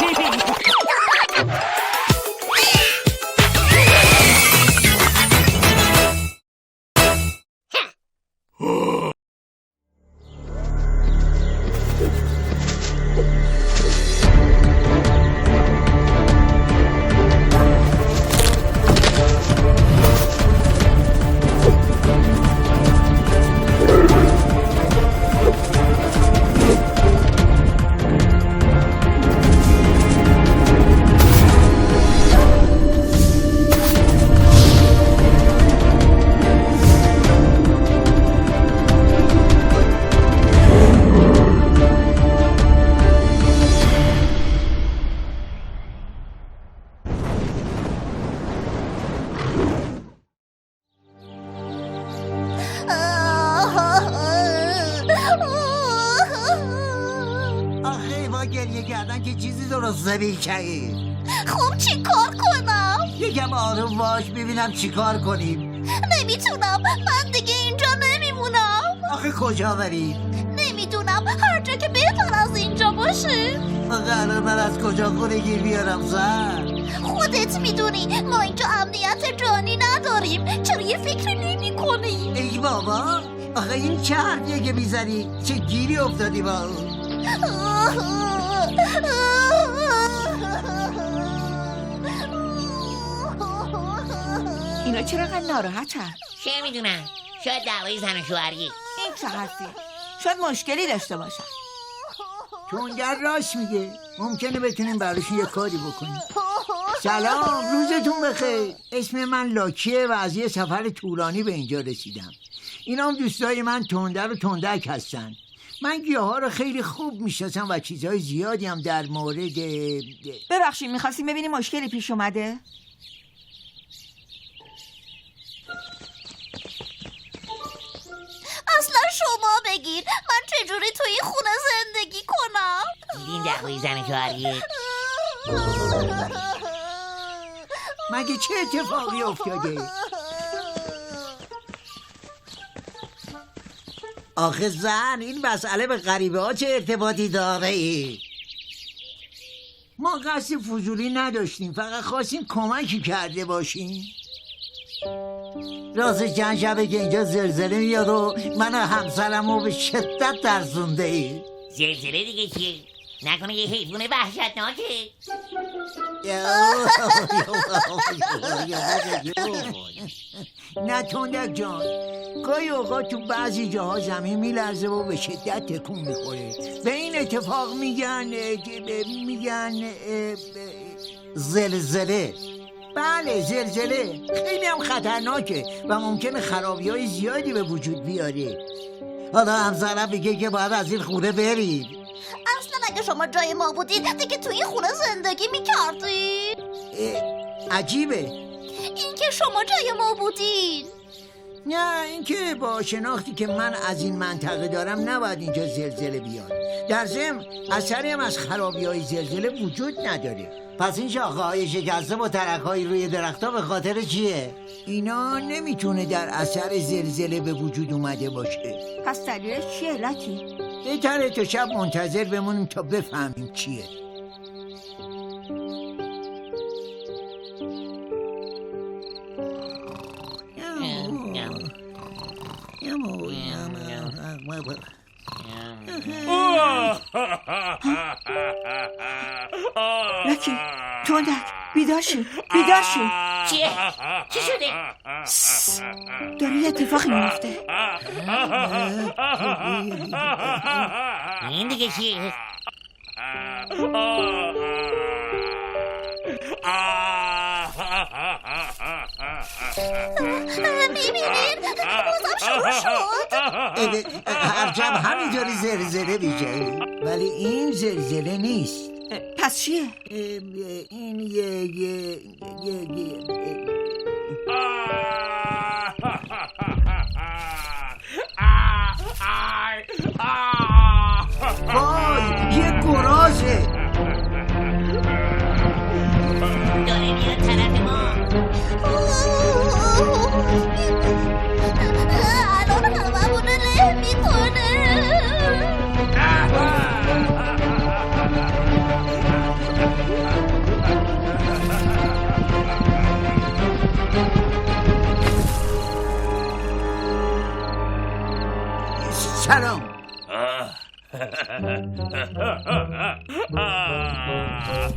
خب چی کار کنم؟ یکم آروم باش ببینم چی کار کنیم. نمیتونم، من دیگه اینجا نمیمونم. آخه کجا بریم؟ نمیدونم، هر جا که بهتر از اینجا باشه. آخه الان من از کجا خونه گیر بیارم زن؟ خودت میدونی ما اینجا امنیت جانی نداریم. چرا یه فکر نمی کنی؟ ای بابا، آخه این چه حرفیه که میزنی؟ چه گیری افتادی با اون؟ اینا چرا انقدر ناراحتن؟ چه میدونم، شاید دعوای زن و شوهریه. این چه حرفیه؟ شاید مشکلی داشته باشن. تونگر راست میگه، ممکنه بتونیم براشون یه کاری بکنیم. سلام، روزتون بخیر. اسم من لاکیه و از یه سفر طولانی به اینجا رسیدم. اینا هم دوستای من تندر و تندک هستن. من گیاها رو خیلی خوب میشناسم و چیزهای زیادی هم در مورد ببخشید، میخواستیم ببینیم مشکلی پیش اومده؟ اصلا شما بگیر، من چجوری تو این خونه زندگی کنم؟ دیدین دعوای زن و شوهریه؟ مگه چه اتفاقی افتاده؟ آخه زن، این مسئله به غریبه ها چه ارتباطی داره ای؟ ما قصد فضولی نداشتیم، فقط خواستیم کمکی کرده باشیم. راست چند شبه که اینجا زلزله میاد و من و همسرم رو به شدت ترسونده ای. زلزله دیگه چیه؟ نکنه یه حیوان وحشتناکه؟ نه تندک جان، گاهی اوقات تو بعضی جاها زمین میلرزه و به شدت تکون میخوره. به این اتفاق میگن زلزله. بله، زلزله خیلی هم خطرناکه و ممکنه خرابی‌های زیادی به وجود بیاره. حالا همسرم میگه که باید از این خونه برید. اصلا اگه شما جای ما بودید دیگه تو این خونه زندگی میکردید. عجیبه اینکه شما جای ما بودید. نه، اینکه با شناختی که من از این منطقه دارم نباید اینجا زلزله بیاد. در ضمن اثری هم از خرابی‌های زلزله وجود نداره. پس این شاخه‌های شکسته با ترک‌های روی درخت‌ها به خاطر چیه؟ اینا نمیتونه در اثر زلزله به وجود اومده باشه. پس دلیلش چیه لاکی؟ بهتره تا شب منتظر بمونیم تا بفهمیم چیه. لاکی، تندک، بیدار شو، بیدار شو. چیه؟ چی شده؟ داره یه اتفاقی میفته. این دیگه چیه؟ میبینید؟ بازم شروع شد. هرچند همینطوری زلزله میشه، ولی این زلزله نیست. پس چیه؟ این وای، یه گرازه. داره میاد طرف ما. الان هممونو له میکنه.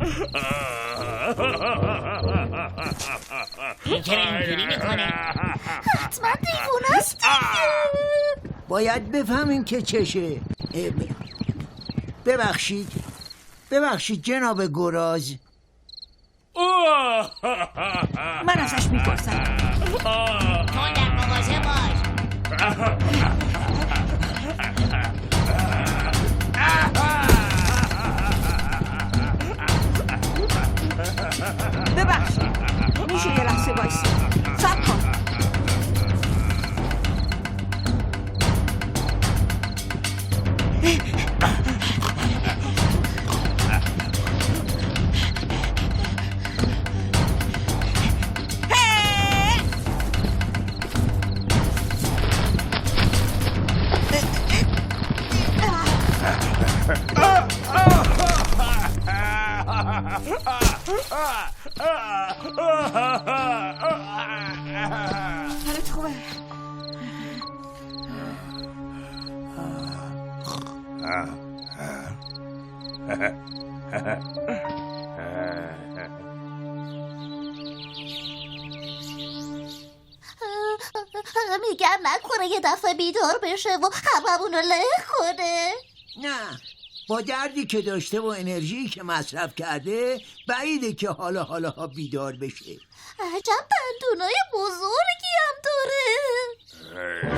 این چرا اینجوری میکنه؟ حتما دیوونه است دیگه. باید بفهمیم که چشه. ببخشید جناب گراز. من ازش میپرسم. تو در مواظب باش. ببخشید میشه یه لحظه بایستی؟ صبر کن. حالت خوبه؟ میگم نکنه یه دفعه بیدار بشه و هممون رو له کنه. نه، با دردی که داشته و انرژی که مصرف کرده بعیده که حالا بیدار بشه. عجب دندونای بزرگی هم داره.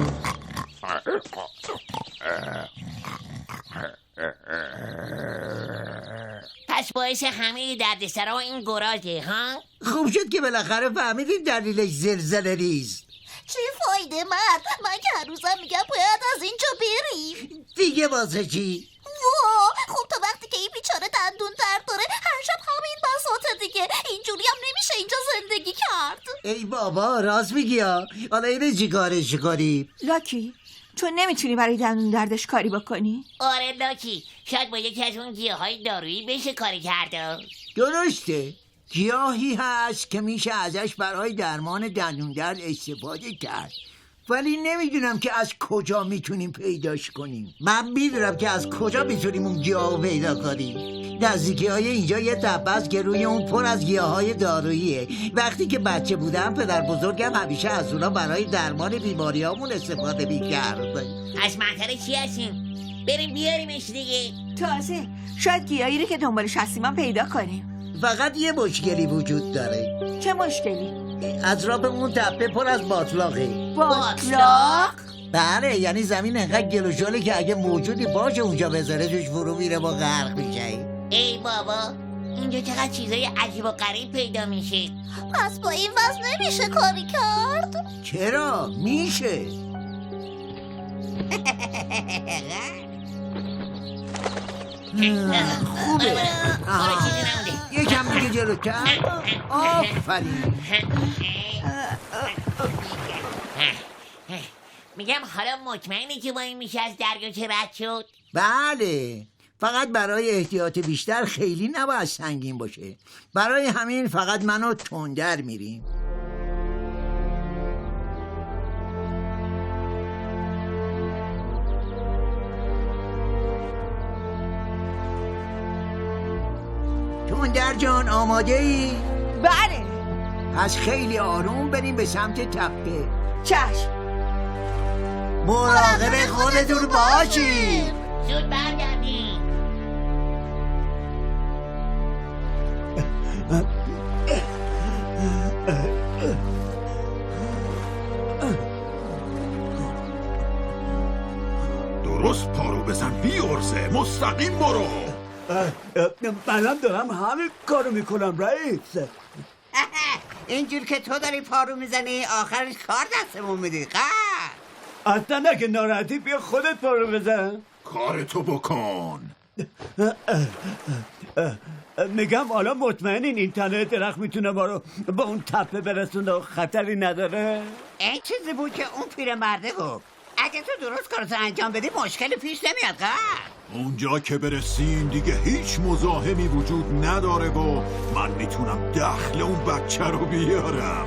پس باعث همه دردسرا این گراجه ها؟ خوب شد که بالاخره فهمیدیم دلیلش زلزله ریز. چی فایده مرد؟ من که هر روزم میگم باید از اینجا بریم. دیگه واسه چی؟ خب تا وقتی که این بیچاره دندون درد داره هر شب همین بساطه دیگه. اینجوری هم نمیشه اینجا زندگی کرد. ای بابا راست میگی ها. حالا اینه چی کارش کنی؟ لاکی تو نمیتونی برای دندون دردش کاری بکنی؟ آره لاکی، شاید با یکی از اون گیاهای دارویی بشه کاری کرده. درسته، گیاهی هست که میشه ازش برای درمان دندون درد استفاده کرد، ولی نمیدونم که از کجا میتونیم پیداش کنیم. من میدونم که از کجا میتونیم اون گیاه رو پیدا کنیم. نزدیکی های اینجا یه تپه است که روی اون پر از گیاهای داروییه. وقتی که بچه بودم پدر بزرگم همیشه از اونا برای درمان بیماریامون استفاده میکرد. از منطقه چی هستیم؟ بریم بیاریمش دیگه. تازه شاید گیاهی رو که دنبالش هستیم هم پیدا کنیم. فقط یه مشکلی وجود داره. چه مشکلی؟ اطراف اون تپه پر از باطلاقه. باطلاق؟ بله، یعنی زمین انقدر گل و ژاله که اگه موجودی باشه اونجا بذاره توش فرو میره و غرق میشه. ای بابا، اینجا چقدر چیزای عجیب و غریب پیدا میشه. پس با این وضع نمیشه کاری کرد. چرا؟ میشه. خوبه. آره چیزی نمونده. یکم دیگه جلوتر. آفرین. میگم حالا مطمئنی که با این میشه از دریاچه رد شد؟ بله، فقط برای احتیاط بیشتر خیلی نباید سنگین باشه. برای همین فقط منو تندر میریم. تندر جان آماده ای؟ بله. پس خیلی آروم بریم به سمت تپه. چشم. مراقب خودتون باشید. زود برگردیم. درست پارو بزن بیارزه، مستقیم برو. منم دارم همین کارو میکنم رئیس. اینجور که تو داری پارو میزنی آخرش کار دستمون میدی. اصلا اگه ناراحتی بیا خودت پارو بزن. کارتو بکن. میگم حالا مطمئنین این تنه درخت میتونه ما رو با اون تپه برسونه و خطری نداره؟ این چیزی بود که اون پیرمرده گفت. اگه تو درست کارتو انجام بدی مشکلی پیش نمیاد. اونجا که برسیم دیگه هیچ مزاحمی وجود نداره و من میتونم دخل اون بچه رو بیارم.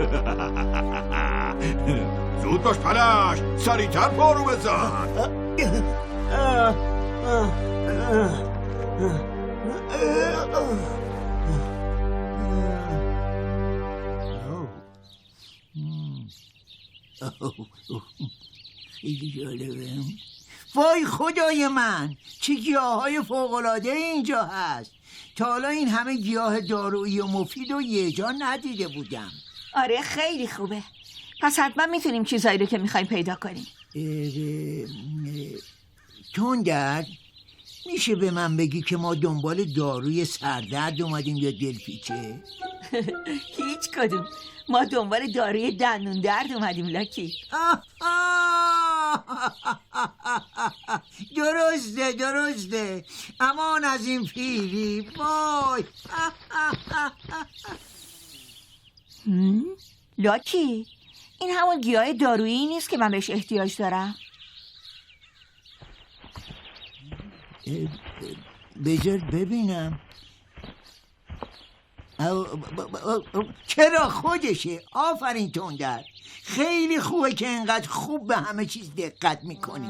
زود باش پلش، سریعتر پارو بزن. خیلی جالبه. وای خدای من، چه گیاهای فوق‌العاده اینجا هست. تا حالا این همه گیاه دارویی و مفید و یه جا ندیده بودم. آره خیلی خوبه. پس حتما میتونیم چیزایی رو که میخوایم پیدا کنیم. تندر، میشه به من بگی که ما دنبال داروی سردرد اومدیم یا دلپیچه؟ هیچ کدوم. ما دنبال داروی دندون درد اومدیم لاکی. درسته. امان از این پیری. وای. لاکی، این همون گیاه دارویی نیست که من بهش احتیاج دارم؟ بذار ببینم. چرا خودشه. آفرین تندر، خیلی خوبه که اینقدر خوب به همه چیز دقت میکنی.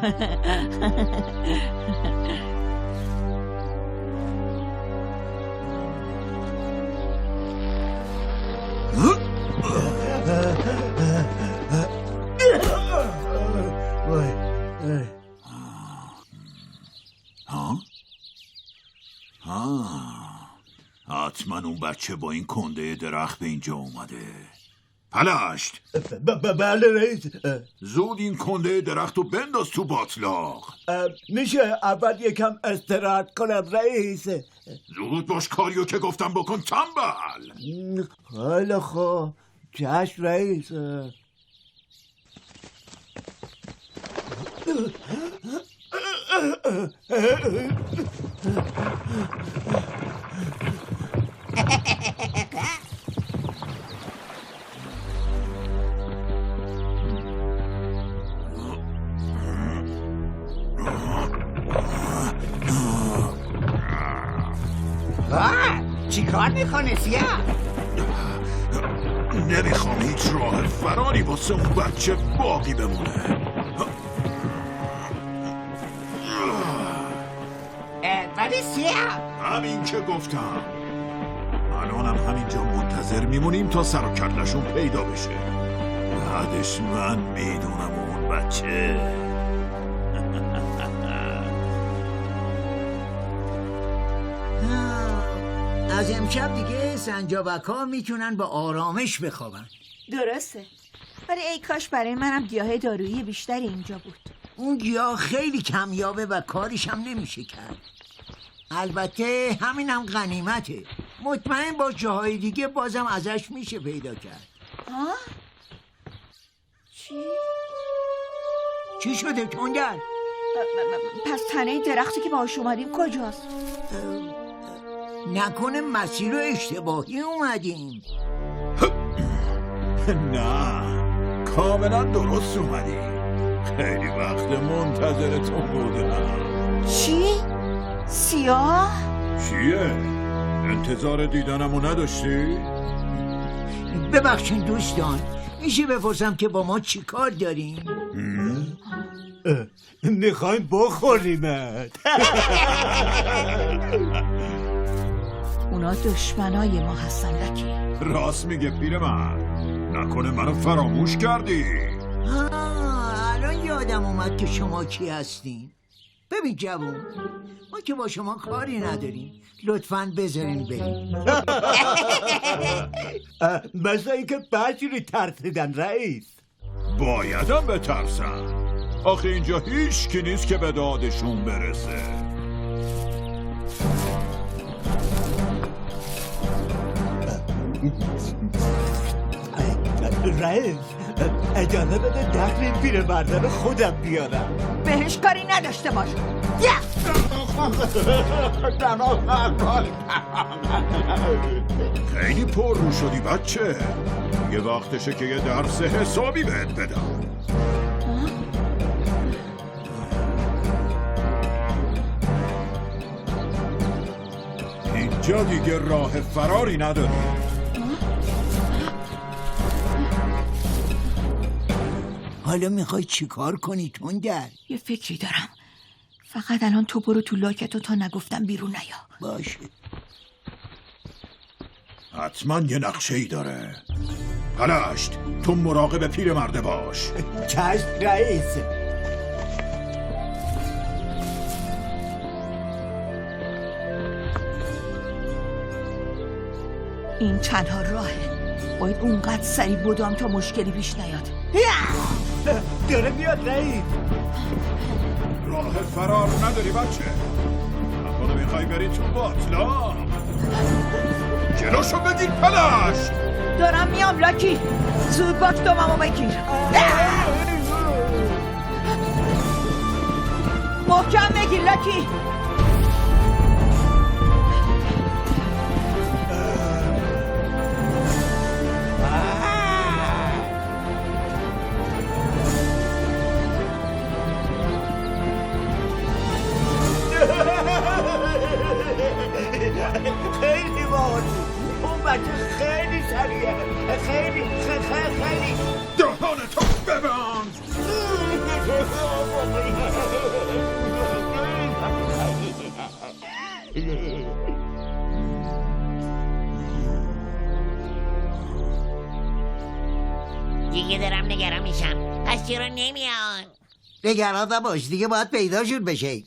حتما اون بچه با این کنده درخت به اینجا اومده. پلشت. بله رئیس. زود این کنده درخت رو بنداز تو باطلاق. میشه اول یکم استراحت کنم رئیس؟ زود باش، کاریو که گفتم بکن تنبل. خیلی خوب، چشم رئیس. چی کار میکنه سیاه؟ نمیخوام هیچ راه فراری واسه اون بچه باقی بمونه. ولی سیاه، همین که گفتم. الانم همینجا منتظر میمونیم تا سر و کلشون پیدا بشه. بعدش من میدونم اون بچه. از امشب دیگه سنجابک‌ها میتونن با آرامش بخوابن. درسته، ولی ای کاش برای منم گیاه دارویی بیشتری اینجا بود. اون گیاه خیلی کمیابه و کاریش هم نمیشه کرد. البته همینم غنیمته. مطمئن با جاهای دیگه بازم ازش میشه پیدا کرد. چی شده تندر؟ پس تنه درختی که باهاش اومدیم کجاست؟ نکنه مسیر رو اشتباهی اومدیم. نه، کاملا درست اومدی. خیلی وقت منتظرتون بودم. چی؟ سیاه؟ چیه؟ انتظار دیدنمو نداشتی؟ ببخشید دوستان، میشه بپرسم که با ما چی کار داریم؟ میخوایم بخوریمت. اونا دشمنای ما هستن لکی. راست میگه پیرمرد. نکنه منو فراموش کردی. الان یادم اومد که شما کی هستین. ببین جوون، ما که با شما کاری نداریم، لطفاً بذارین بریم. مثل اینکه بچری ترسیدن رئیس. بایدم بترسن. آخه اینجا هیچ کی نیست که به دادشون برسه. رئیس، اجازه بده دخل این پیرمرده رو خودم بیارم. بهش کاری نداشته باش. خیلی پر رو شدی بچه. یه وقتشه که یه درس حسابی بهت بدم. اینجا دیگه راه فراری نداری. حالا میخوای چی کار کنی تندر؟ یه فکری دارم. فقط الان تو برو تو لاکتو تا نگفتم بیرون نیا. باشه. حتما یه نقشه ای داره. پلشت، تو مراقب پیرمرده باش. چشم رئیس. این تنها راهه. باید اونقدر سریع بدام تا مشکلی پیش نیاد. داره میاد رئیس. راه فرار نداری بچه؟ نکنه میخوای بری تو باطلا؟ جلوشو بگیر پلشت. دارم میام لاکی. زود باش دوممو بگیر. محکم بگیر لاکی. خیلی باحالی. اون بچه خیلی سریعه. خیلی دهانتو ببند. دیگه دارم نگران میشم. پس چرا نمیان؟ نگران نباش، دیگه باید پیداشون بشه.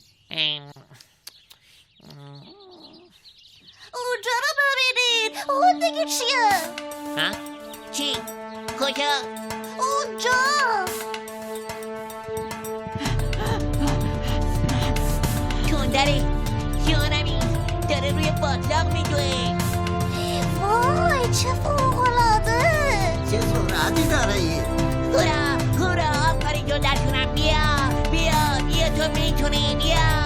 اونجا رو ببینید. اون دیگه چیه؟ ها؟ چی؟ کجا؟ اونجا. تندره. جانمی داره روی باطلاق میدوه. وای چه فوق‌العاده. چه سرعتی داره این؟ هورا آفرین جون درشونم. بیا تو میتونی. بیا.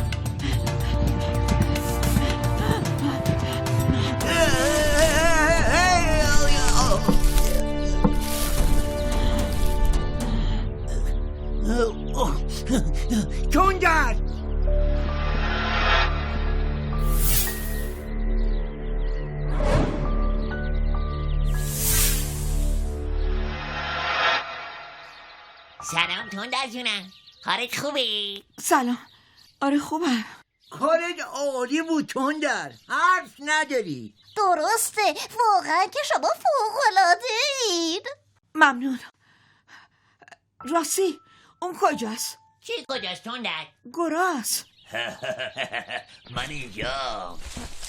تندر. سلام تندر جونم. حالت خوبه؟ سلام. آره خوبم. کارت عالی بود تندر، حرف نداری. درسته. واقعا که شما فوق‌العاده اید. ممنون. راستی اون کجاست؟ چی کجاست تندر؟ گراز. من اینجا.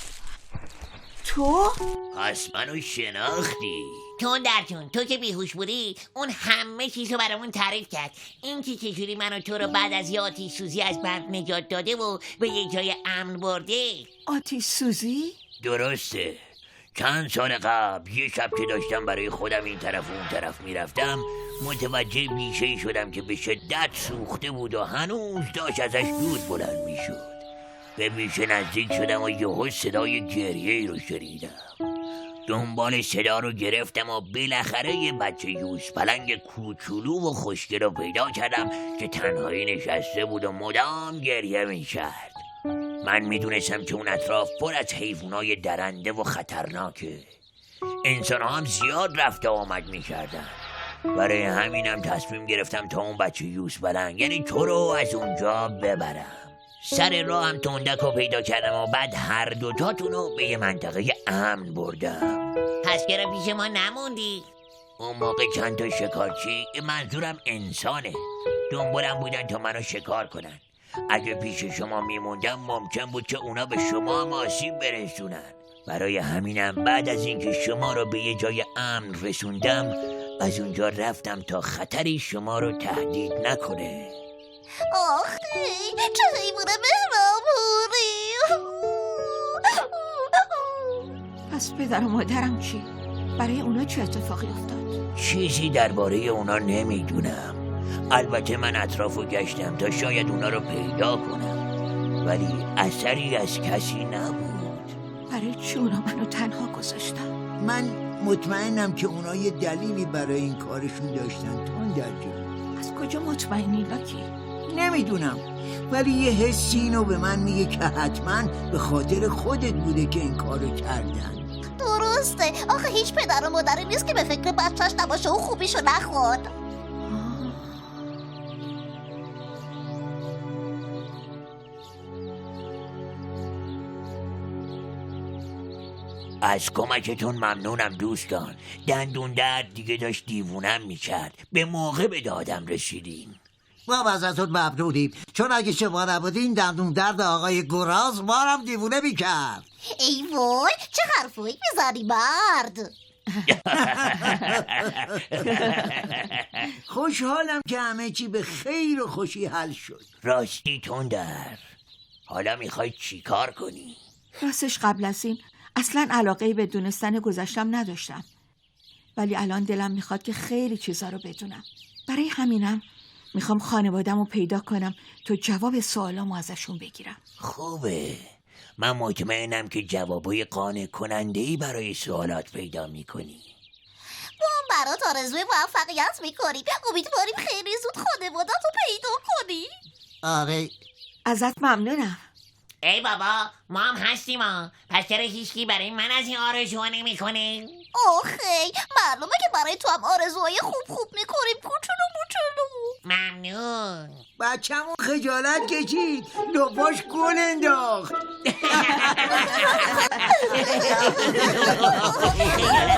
تو؟ پس منو شناختی؟ تندر جون تو که بیهوش بودی اون همه چیزو برامون تعریف کرد. این که چجوری من و تو رو بعد از یه آتیش سوزی از برق نجات داده و به یه جای امن برده. آتیش سوزی؟ درسته. چند سال قبل یه شب که داشتم برای خودم این طرف و اون طرف میرفتم متوجه بیشه‌ای شدم که به شدت سوخته بود و هنوز داشت ازش دود بلند میشد. به بیشه نزدیک شدم و یهو صدای گریه‌ای رو شنیدم. دنبال صدا رو گرفتم و بالاخره یه بچه یوز پلنگ کوچولو و خوشگل رو پیدا کردم که تنهایی نشسته بود و مدام گریه میکرد. من میدونستم که اون اطراف پر از حیوانای درنده و خطرناکه. انسان هم زیاد رفت و آمد میکردن. برای همینم تصمیم گرفتم تا اون بچه یوز پلنگ یعنی تو رو از اونجا ببرم. سر راه هم تندک رو پیدا کردم و بعد هر دوتاتون رو به یه منطقه امن بردم. پس چرا پیش ما نموندی؟ اون موقع چند تا شکارچی، منظورم انسانه، دنبالم بودن تا منو شکار کنن. اگه پیش شما میموندم ممکن بود که اونا به شما هم آسیب برسونن. برای همینم بعد از اینکه شما رو به یه جای امن رسوندم از اونجا رفتم تا خطری شما رو تهدید نکنه. آخی چه حیوان مهربونی. پس پدر و مادرم چی؟ برای اونا چه اتفاقی افتاد؟ چیزی درباره اونا نمیدونم. البته من اطرافو گشتم تا شاید اونا رو پیدا کنم ولی اثری از کسی نبود. برای چی اونا منو تنها گذاشتن؟ من مطمئنم که اونا یه دلیلی برای این کارشون داشتن تندر جون. از کجا مطمئنی لاکی؟ نمیدونم ولی یه حسی اینو به من میگه که حتما به خاطر خودت بوده که این کارو کردن. درسته. آخه هیچ پدر و مادری نیست که به فکر بچهش نباشه و خوبیشو نخواد. از کمکتون ممنونم دوستان. دندون درد دیگه داشت دیوونم میکرد. به موقع به دادم رسیدین. ما ازتون ممنونیم، چون اگه شما نبودین دندون درد آقای گراز ما هم دیوونه میکرد. ای وای چه حرفایی میزنی مرد. خوشحالم که همه چی به خیر و خوشی حل شد. راستی تندر، حالا میخوای چی کار کنی؟ راستش قبل از این اصلا علاقه به دونستن گذشتم نداشتم، ولی الان دلم میخواد که خیلی چیزا رو بدونم. برای همینم میخوام خانوادم رو پیدا کنم تا جواب سوالامو ازشون بگیرم. خوبه، من مطمئنم که جوابای قانع کننده‌ای برای سوالات پیدا میکنی. ما هم برات آرزوی موفقیت میکنیم. امیدواریم خیلی زود خانوادت رو پیدا کنی. آره ازت ممنونم. ای بابا ما هم هستیم ها. پس چرا هیچکی برای من از این آرزوها نمیکنه؟ آخی معلومه که برای تو هم آرزوهای خوب میکنیم کوچولو موچولو. ممنون. بچه‌مون خجالت کشید، لپاش گل انداخت.